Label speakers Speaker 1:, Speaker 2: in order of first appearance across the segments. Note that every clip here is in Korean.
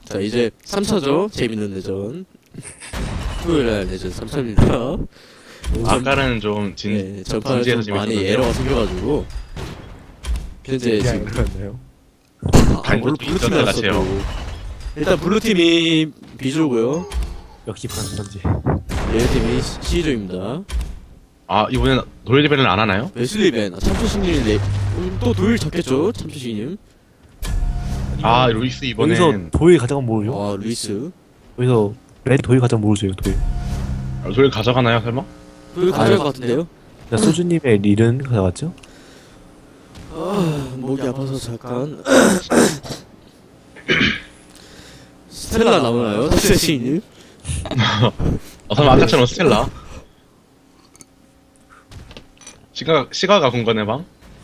Speaker 1: 자, 이제 3차죠. 재밌는 내전. 토요일날 내전 3차입니다.
Speaker 2: 아까는 좀
Speaker 1: 네, 전판에
Speaker 2: 진지해서
Speaker 1: 좀 많이
Speaker 2: 재밌었는데.
Speaker 1: 에러가 생겨가지고 현재 지금
Speaker 3: 그렇네요.
Speaker 1: 물론 블루팀이 났어도 일단 블루팀이 B조고요.
Speaker 3: 역시 반선지.
Speaker 1: 레드팀이 C조입니다.
Speaker 2: 아 이번엔 노일리벤을 안 하나요?
Speaker 1: 웨슬리벤, 참초식님 또 도일 잡겠죠? 참초식님.
Speaker 2: 아 루이스
Speaker 3: 여기서
Speaker 2: 이번엔
Speaker 3: 도일 가져가면 모르죠?
Speaker 1: 아, 루이스.
Speaker 3: 여기서 레드 도일 가져가면 모르죠, 도일.
Speaker 2: 도일 가져가나요 설마?
Speaker 1: 도일 가져갈 것 같은데요?
Speaker 3: 자, 소주님의 릴은 가져갔죠?
Speaker 1: 목이 아파서 잠깐. 스텔라 나오나요? 참초식님?
Speaker 2: 설마 아까처럼 스텔라? 시가가 궁건의 방?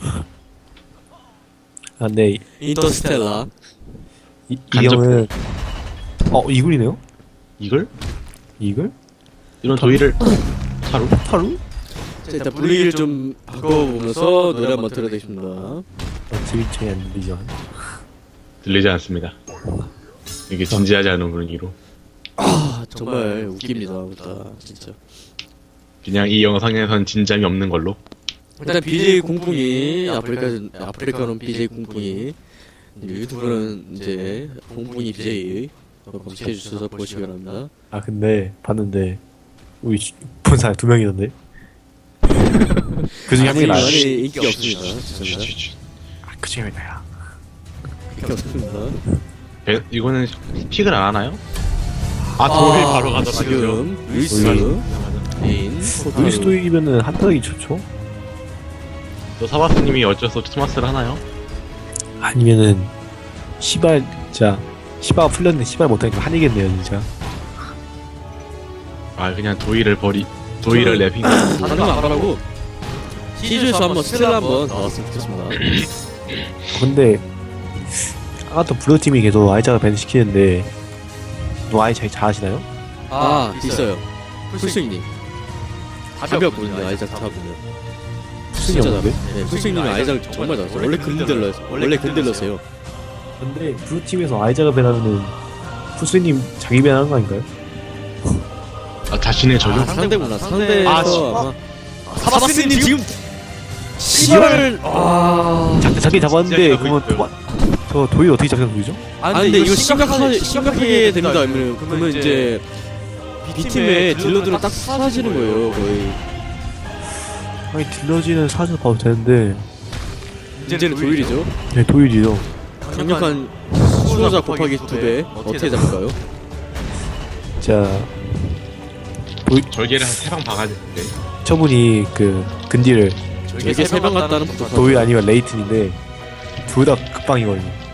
Speaker 3: 아, 네.
Speaker 1: 인터스텔라.
Speaker 3: 이 형은 이글이네요?
Speaker 2: 이글?
Speaker 3: 이글?
Speaker 2: 이런 도일을 하루?
Speaker 3: 타루?
Speaker 1: 자, 일단 분위기를 좀 바꿔보면서 노래 한번 들어야겠습니다.
Speaker 3: 트위치에 안 들리죠?
Speaker 2: 들리지 않습니다. 이게 진지하지 않은 분위기로
Speaker 1: 아, 정말 웃깁니다. 웃다, 진짜.
Speaker 2: 그냥 이 영상에선 진잠이 없는 걸로.
Speaker 1: 일단 BJ 공풍이 아프리카는 BJ 공풍이 유튜브는 이제 공풍이 BJ 검색해 주셔서 보시기 바랍니다.
Speaker 3: 아, 근데 봤는데 우리 본 사람 2명이던데? 그 중에 한 명이 나요.
Speaker 1: 많이 인기 없습니다. 죄송합니다.
Speaker 3: 그 중에 나야.
Speaker 1: 인기 없습니다.
Speaker 2: 이거는 픽을 안 하나요? 아 도일 바로 가져가죠.
Speaker 1: 지금 루이스, 린,
Speaker 3: 루이스 도일이면은 한타기 좋죠?
Speaker 2: 또 사바스님이 어쩔 수 없이 토마스를 하나요?
Speaker 3: 아니면은 시발 진짜 시바가 풀렸는데 시발 못하니까 한이겠네요 진짜.
Speaker 2: 아 그냥 도일을
Speaker 1: 저는
Speaker 2: 랩핑
Speaker 1: 다른 거 안 바라고 C조에서 한번 스텔라 한번 나왔으면 좋겠습니다.
Speaker 3: 근데 아까도 블루팀이 계속 아이자가 밴 시키는데 너 아이 잘 잘하시나요?
Speaker 1: 아, 있어요. 풀스윙님. 가볍거든요, 아이작 타보면. 진짜
Speaker 3: 없는데?
Speaker 1: 잘해. 네, 풀스윙님이 아이작 정말 잘했어요. 원래 근들러세요.
Speaker 3: 근데 블루팀에서 아이자가 밴하면은 풀스님 자기 밴하는 거 아닌가요?
Speaker 2: 아 자신의 적용?
Speaker 1: 아, 상대구나. 상대에서
Speaker 2: 아,
Speaker 1: 아마 사바스님 지금 시발
Speaker 3: 자기 잡았는데
Speaker 2: 진짜
Speaker 3: 그러면
Speaker 2: 있어요.
Speaker 3: 저 도일 어떻게 잡는 소리죠?
Speaker 1: 아, 근데 이거 심각하게 됩니다. 그러면 이제 B팀의 딜러들은 딱 사라지는 거예요, 거의.
Speaker 3: 아니 딜러지는 사서 봐도 되는데
Speaker 1: 문제는 도일이죠.
Speaker 3: 네 도일이죠.
Speaker 1: 강력한 수호자 곱하기 2배. 어떻게 잡을까요?
Speaker 3: 자
Speaker 2: 절개를 한 3방 박아야 되는데.
Speaker 3: 저분이 그 근디를
Speaker 1: 이게 3방 같다는
Speaker 3: 도일 아니면 레이튼인데 둘 다 극방이거든요.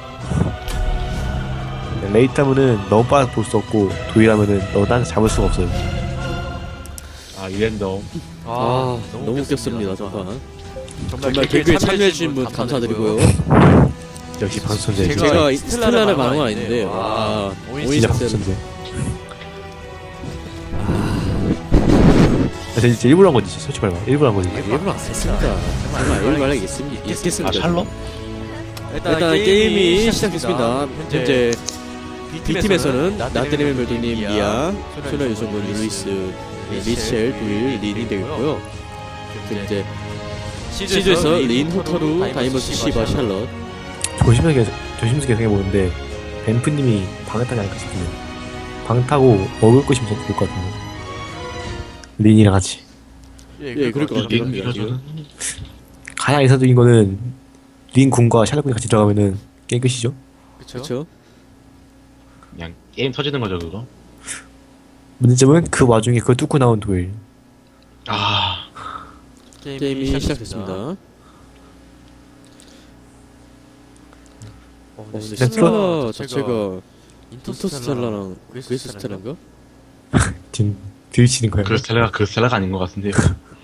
Speaker 3: 레이트 하면은 너무 빨아서 볼 수 없고 도일 하면은 너무 딴 잡을 수가 없어요.
Speaker 2: 아 이랜덤.
Speaker 1: 너무 웃겼습니다, 정말. 정말 개그에 참여해주신 분 감사드리고요.
Speaker 3: 역시 방송제
Speaker 1: 제가 스텔라를 말한 건 아닌데, 오인
Speaker 3: 진짜
Speaker 1: 스텔라.
Speaker 3: 방송제. 진짜 일부러 한 거지 솔직히 말해. 일부러 한 거지.
Speaker 1: 일부러 안 했습니다. 정말 일부러 있겠습니다.
Speaker 2: 아 샬럿?
Speaker 1: 일단 게임이 시작됐습니다. 현재 B팀에서는 나트리멜 멜도님, 미아, 소나 유성군, 루이스, 미첼, 도일, 린이 되겠고요. 이제 C조에서 린, 호타루, 다이머스, 시바, 샬럿.
Speaker 3: 조심스럽게 생각해보는데 뱀프님이 방을 타지 않을까 싶은데 방 타고 먹을 것이면 더 좋을 것 같은데 린이랑 같이.
Speaker 1: 예, 그럴 것 같아요. 지금.
Speaker 3: 가장 이상적인 거는 린 군과 샬롯군이 같이 들어가면은 게임 끝이죠.
Speaker 1: 그렇죠.
Speaker 2: 그냥 게임 터지는 거죠 그거.
Speaker 3: 문제점은 그 와중에 그걸 뚫고 나온 도일.
Speaker 2: 아
Speaker 1: 게임이 시작됐습니다. 근데 스텔라 자체가 인터스텔라랑 그레이스 스텔라인가?
Speaker 3: 지금 들이치는 거예요.
Speaker 2: 그 스텔라가 아닌 것 같은데요.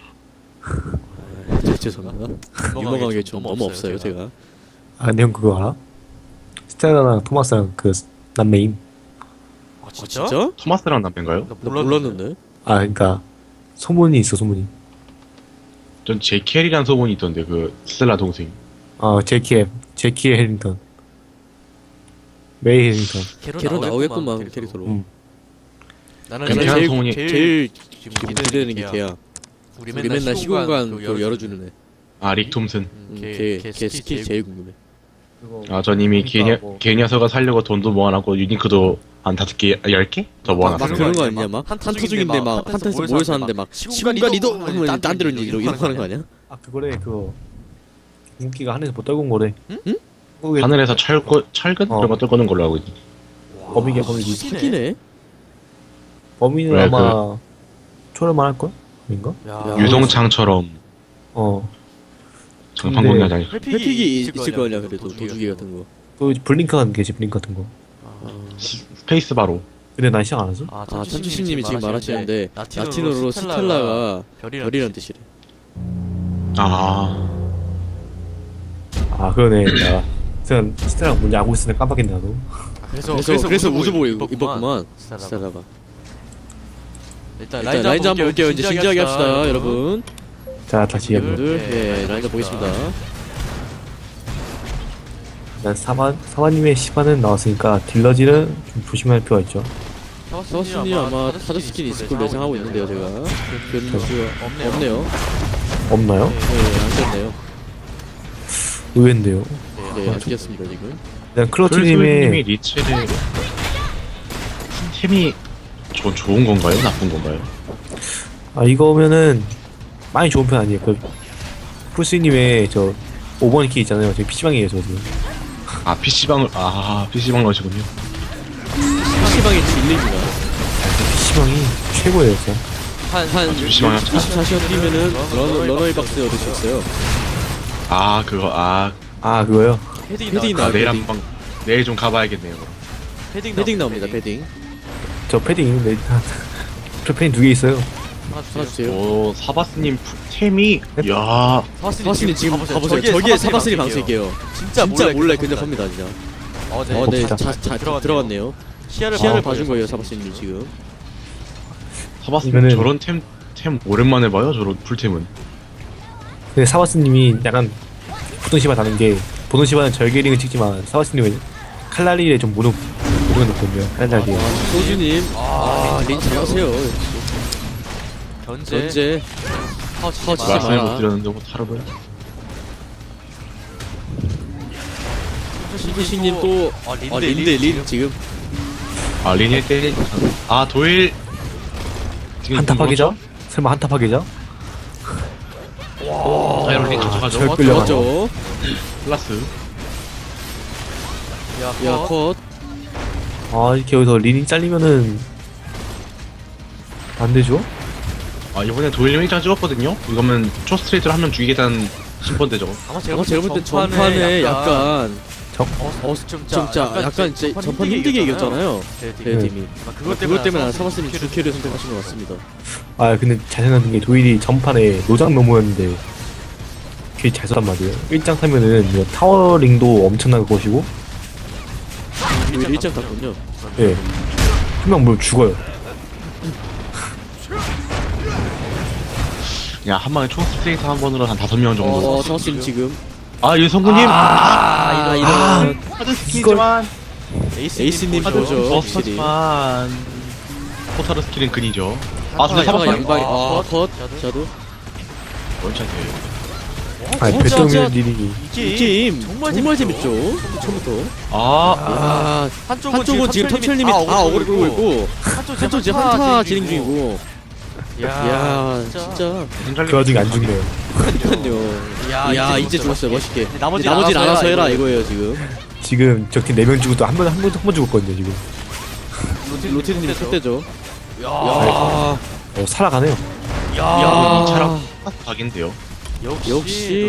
Speaker 1: 죄송합니다. 유머가게 좀 너무 없어요, 제가.
Speaker 3: 아 근데 형 그거 알아? 스텔라랑 토마스랑 그 남매임.
Speaker 1: 진짜?
Speaker 2: 토마스랑 남편가요?
Speaker 1: 나 몰랐는데.
Speaker 3: 아 그러니까 소문이 있어 소문이.
Speaker 2: 전 제켈이란 소문이 있던데 그 스텔라 동생.
Speaker 3: 제키의 해링턴. 메이 헤링턴.
Speaker 1: 걔로 나오겠구만 캐릭터로.
Speaker 4: 나는
Speaker 2: 걔는
Speaker 1: 제일
Speaker 2: 성훈이-
Speaker 1: 제일
Speaker 4: 지금
Speaker 1: 지금 기대되는 게 걔야. 우리 맨날 시공간 그거 열어주는 애.
Speaker 2: 아, 릭 톰슨.
Speaker 1: 걔 스킬 제일 궁금해.
Speaker 2: 아, 전 이미 걔 녀석을 살려고 돈도 모아놨고 유니크도 한 5개, 10개? 더
Speaker 1: 막
Speaker 2: 모아놨어요.
Speaker 1: 그런 거 아니냐 막 한타 중인데 막 한타에서 모여서 하는데 막 시공간 이동 하면 딴 데로 이러고 하는 거 아니야?
Speaker 3: 아 그거래 그거 인기가 하늘에서 못 떨군 거래.
Speaker 1: 응?
Speaker 2: 하늘에서 철근? 그런 거 뚫고는 걸로 알고 있지.
Speaker 3: 범위가 범위지.
Speaker 1: 사기네.
Speaker 3: 범위는
Speaker 2: 왜,
Speaker 3: 아마 초월만 할 걸? 아닌가?
Speaker 2: 유동창처럼
Speaker 3: 어.
Speaker 2: 장판공략 아니
Speaker 1: 회픽이 있을 거 아니야 그래도 도주기 같은 거.
Speaker 3: 또 블링크 같은 게지 블링크 같은 거.
Speaker 2: 스페이스 바로.
Speaker 3: 근데 난 시작 안 하죠?
Speaker 1: 아 참치신님이 지금 말하시는데 라틴어로 스텔라가 별이란 뜻이래.
Speaker 2: 아,
Speaker 3: 아 그러네. 나 그냥 스테랑 뭔지 알고 있으니까 깜빡했네 나도.
Speaker 1: 그래서 우주복 입었구만 스텔라가.
Speaker 4: 일단
Speaker 1: 라인즈 한번 볼게요. 이제 진지하게 합시다 여러분.
Speaker 3: 자 다시 한번.
Speaker 1: 여러분들 예 라인즈 보겠습니다.
Speaker 3: 일단 사마님의 시바는 나왔으니까 딜러질은 좀 조심할 필요가 있죠.
Speaker 1: 사바스님 아마 타자 스킬이 있을 걸로 예상하고 있는데요 제가. 그런 수가 없네요.
Speaker 3: 없나요?
Speaker 1: 네안 됐네요.
Speaker 3: 의외인데요.
Speaker 1: 네안 됐습니다 지금.
Speaker 3: 일단
Speaker 2: 클로트님이
Speaker 3: 클로트님의
Speaker 2: 리체를 템이 좋은 건가요? 나쁜 건가요?
Speaker 3: 아 이거면은 많이 좋은 편 아니에요. 그 풀스님의 저 5번 키 있잖아요. 저 PC방이에요 저 지금.
Speaker 2: 아, PC방 넣으시군요.
Speaker 1: PC방의 진리입니다.
Speaker 3: PC방이 최고예요 진짜.
Speaker 1: 한
Speaker 2: PC방
Speaker 1: 24시간 뛰면은 러너웨이 박스 얻을 수 있어요.
Speaker 2: 아, 그거,
Speaker 3: 아 그거요?
Speaker 1: 패딩
Speaker 2: 아,
Speaker 1: 나와요.
Speaker 2: 내일
Speaker 1: 패딩.
Speaker 2: 한번, 내일 좀 가봐야겠네요.
Speaker 1: 패딩 나옵니다 패딩.
Speaker 3: 저 패딩 있는데 저 패딩 2개 있어요.
Speaker 1: 하나 주세요.
Speaker 2: 오, 사바스님 템이, 야
Speaker 1: 사바스님 지금 가보세요. 저기에 사바스님 방식이에요. 진짜 몰래 근접합니다 진짜. 네 들어갔네요. 시야를 봐준 거예요 사바스님 지금.
Speaker 2: 사바스님
Speaker 3: 이거는-
Speaker 2: 저런 템 오랜만에 봐요, 저런 풀템은.
Speaker 3: 근데 사바스님이 약간 보통 시바 다른 게 보통 시바는 절개링을 찍지만 사바스님은 칼날리에 좀 무릎 놓거든요. 칼날리에.
Speaker 1: 소주님 린 잘하세요.
Speaker 4: 견제
Speaker 1: 파워치지
Speaker 2: 말씀을
Speaker 1: 마라.
Speaker 2: 못 드렸는데, 뭐, 타르고요?
Speaker 1: 소주님 또 린 지금
Speaker 2: 아, 리니에 때리, 아, 도일. 지금
Speaker 3: 한타
Speaker 2: 누구죠?
Speaker 3: 파괴자? 설마 한타 파괴자?
Speaker 2: 아, 여러분, 린 가져가죠.
Speaker 3: 절 끌려가죠.
Speaker 1: 맞죠?
Speaker 2: 플러스.
Speaker 1: 야 컷.
Speaker 3: 아 이렇게 여기서 린이 잘리면은 안 되죠?
Speaker 2: 아, 이번에 도일님 1장 찍었거든요? 이거면 초스트레이트로 한 명 죽이겠다는 심번대죠.
Speaker 1: 아마 제가 볼 때 전판에 약간 진짜 약간 이제 전판 힘들게 이겼잖아요. 제 팀이. 그것 때문에 사바스님 주캐를 선택하신 것 같습니다.
Speaker 3: 아 근데 잘 생각하는 게 도일이 전판에 노장 너무였는데 걔 잘 썼단 말이에요. 1장 타면은 이거 타워링도 엄청난 것이고
Speaker 1: 오히려 일장 탔군요.
Speaker 3: 예. 한 명 뭐 죽어요.
Speaker 2: 그냥 한 방에 초스트레이트 한 번으로 한 5명 정도.
Speaker 1: 사바스님 지금.
Speaker 2: 아, 유성구님!
Speaker 1: 이런
Speaker 2: 하드 스킬이지만.
Speaker 1: 에이스님 보죠. 확실히.
Speaker 2: 하지만. 포타르 스킬은 근이죠. 아, 근데
Speaker 1: 사바가
Speaker 2: 사바스
Speaker 1: 양발이 컷. 자도.
Speaker 2: 원샷이에요.
Speaker 3: 아니
Speaker 1: 진짜
Speaker 3: 배트맨 린이
Speaker 1: 이 게임 정말 재밌죠. 처음부터.
Speaker 2: 아,
Speaker 1: 한쪽은 지금 텀철님이 다 어그로 끌고 있고 한쪽 지금 한타 진행 중이고. 야 진짜.
Speaker 3: 그 와중에 안 죽네요.
Speaker 1: 그러니까요. 야 이제 죽었어요 멋있게. 나머지 알아서 해라 이거예요 지금.
Speaker 3: 지금 저 팀 4명 죽어도 한 번 죽었거든요 지금.
Speaker 1: 로티님이 첫대죠.
Speaker 3: 살아가네요.
Speaker 1: 야
Speaker 2: 차랑 각인데요.
Speaker 1: 역시